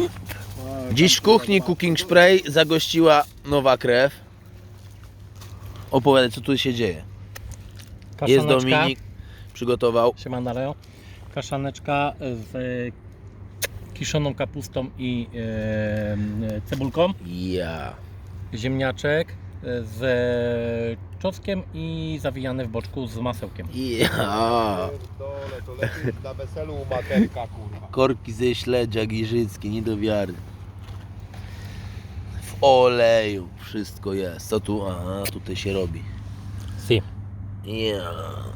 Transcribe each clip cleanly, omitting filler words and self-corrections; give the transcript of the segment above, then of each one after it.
Dziś w kuchni Cooking Spray zagościła nowa krew. Opowiadaj, co tu się dzieje. Jest Dominik, przygotował. Siemano Leo. Kaszaneczka z kiszoną kapustą i cebulką. Ja. Ziemniaczek z czosnkiem i zawijany w boczku z masełkiem. Ja. Dole, to lepiej na weselu u materka, kurwa. Korki ze śledzia giżyckie, nie do wiary. W oleju wszystko jest. Co tu? Aha, tutaj się robi. Si. Ja.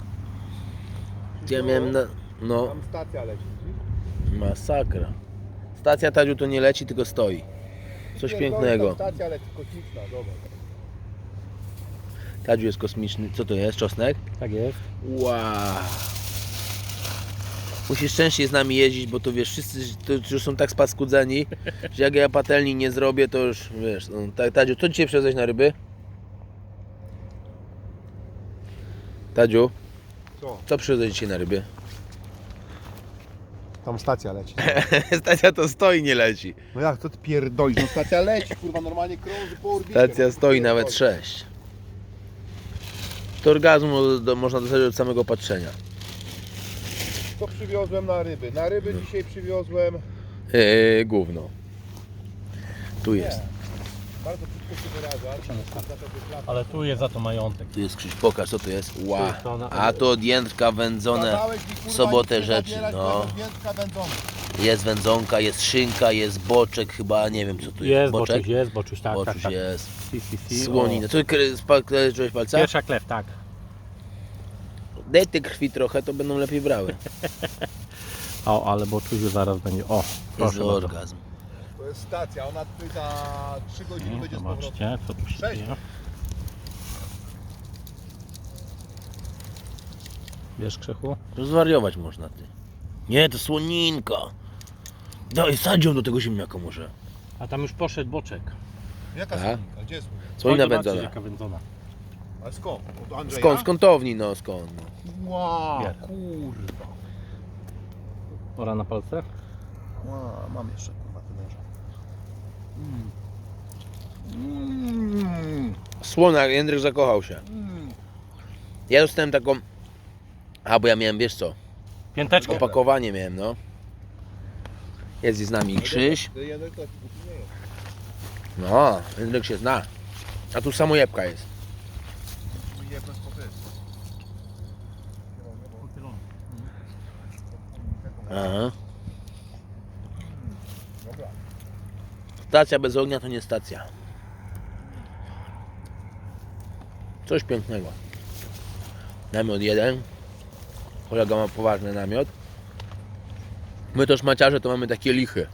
Ja miałem na... No, Tam stacja leci. masakra. Stacja Tadziu to nie leci, tylko stoi. Coś pięknego. Stacja leci kosmiczna, dobra. Tadziu jest kosmiczny. Co to jest? Czosnek? Tak jest. Wow. Musisz częściej z nami jeździć, bo to wiesz, wszyscy to już są tak spaskudzeni, że jak ja patelni nie zrobię, to już wiesz. No, Tadziu, co dzisiaj przywiozłeś na ryby? Tadziu, co przywiozłeś dzisiaj na ryby? Tam stacja leci. Stacja to stoi, nie leci. No jak, co ty pierdolisz? No stacja leci, kurwa, normalnie krąży po orbicie. Stacja no, stoi nawet 6. To orgazmu można dostać od samego patrzenia. Co przywiozłem na ryby? Na ryby dzisiaj przywiozłem... Gówno. Tu jest. Bardzo krótko się wyrażam. Ale tu jest za to majątek. Tu jest Krzyś, pokaż co to jest. Ła. A to od Jędrka wędzone w sobotę rzeczy. No. Jest wędzonka, jest szynka, jest boczek chyba, nie wiem co tu jest. Jest Boczek? boczuś, jest boczuś, tak, Boczuś tak, tak. jest. Si. Słonina. Co kleczyłeś palca? Pierwsza klew, tak. Daj tej krwi trochę, to będą lepiej brały. O, ale boczuś zaraz będzie. O, Jest proszę bardzo. orgazm. To jest stacja, ona tutaj za 3 godziny będzie z powrotem. Zobaczcie, co tu się Cześć. dzieje. Wiesz, Krzychu? To zwariować można ty. Nie, to słoninka. Daj, sadź ją do tego ziemniaka może. A tam już poszedł boczek. Jaka Tak? słoninka? Gdzie jest słoninka? Słonina Chodź zobaczyć, wędzona. jaka wędzona. Ale skąd? Od Andrzeja? Skąd? Z kątowni, no skąd? No. Wow, Bier. kurwa. Ora na palce? Wow, mam jeszcze kurwa tynęża. Słona, Jędrek zakochał się. Ja dostałem taką... A, bo ja miałem, wiesz co? Pięteczkę. Opakowanie miałem, no. Jest z nami Krzyś. No, Jędrek się zna. A tu samojebka jest. Aha. Stacja bez ognia to nie stacja. Coś pięknego. Namiot jeden. Kolega ma poważny namiot. My to szmaciarze to mamy takie lichy.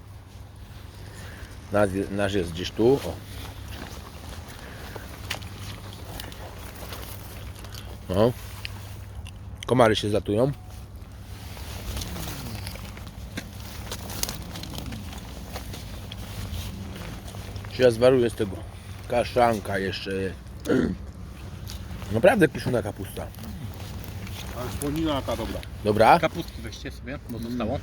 Nasz jest gdzieś tu. O. No. Komary się zatują. Ja zwaruję z tego. Kaszanka jeszcze jest. Naprawdę kiszona kapusta. Ale słonina jaka dobra. Dobra? Kapustki weźcie sobie, bo zostało.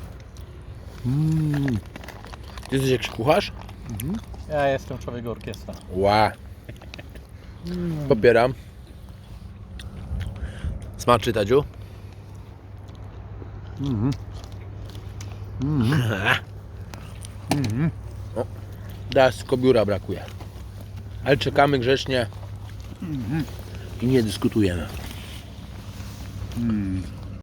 Ty jesteś jakiś kucharz? Ja jestem człowiek orkiestra. Ła. Popieram. Smaczy, Tadziu? O, teraz tylko biura brakuje. Ale czekamy grzecznie i nie dyskutujemy.